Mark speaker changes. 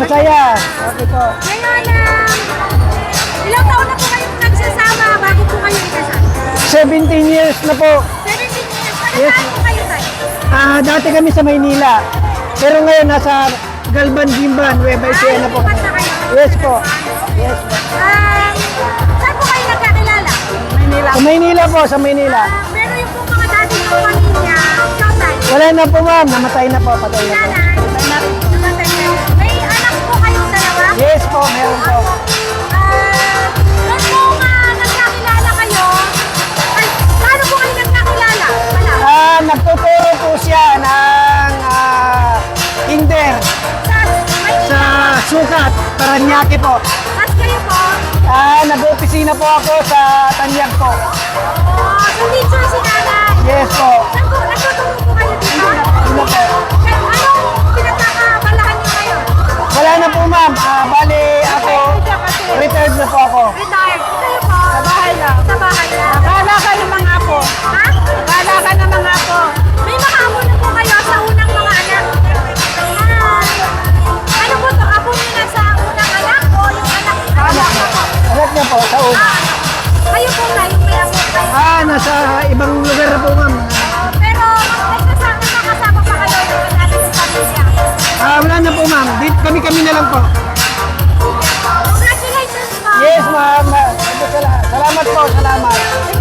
Speaker 1: Masaya. Okay po.
Speaker 2: Ngayon, ilang taon na po kayong nagsasama bago po kayo ikasal?
Speaker 1: 17 years na po.
Speaker 2: 17 years.
Speaker 1: Yes.
Speaker 2: Saan po kayo tayo?
Speaker 1: Dati kami sa Maynila. Pero ngayon nasa Galban, Gimban, Nueva Ecija na po.
Speaker 2: lumipat na kayo?
Speaker 1: Yes po. Yes po.
Speaker 2: Saan po kayo nagkakilala?
Speaker 1: Sa Maynila po, sa Maynila.
Speaker 2: Pero yung po mga dati ng pamilya, tatay,
Speaker 1: Wala na po ma'am, namatay na po, patay na po.
Speaker 2: nanay, namatay na. May anak po kayong dalawa?
Speaker 1: Yes po, meron po.
Speaker 2: Doon po nagkakilala kayo, ay, paano po kayo nagkakilala? Wala.
Speaker 1: Nagtuturo po siya ng kinder sa Sukat, Paranaque po.
Speaker 2: Tapos kayo po,
Speaker 1: Nag-opisina po ako sa Tanyag po.
Speaker 2: so teacher si nanay.
Speaker 1: Yes po.
Speaker 2: Saan po, nagtuturo po kayo dito?
Speaker 1: Ano po?
Speaker 2: Kaya anong pinagkakabalahan niyo ngayon?
Speaker 1: Wala na po ma'am. Bali ako, retired na po ako.
Speaker 2: Retired. Kayo po? Sa bahay lang. Sa bahay lang.
Speaker 3: Bahala ka ng mga apo.
Speaker 2: Ha?
Speaker 3: Bahala ka ng mga apo.
Speaker 2: May mga amo na po kayo sa unang mga anak. Ano po to? Apo niyo na sa unang anak o yung anak? Anak na po.
Speaker 1: Anak niya po, sa una.
Speaker 2: Kayo po na yung may apo kayo.
Speaker 1: Nasa ibang lugar na po ma'am.
Speaker 2: Pero nakasama pa kayo yung natin sa pamilya.
Speaker 1: Wala na po ma'am. Kami-kami na lang po.
Speaker 2: Congratulations po.
Speaker 1: Yes ma'am. Salamat po, salamat.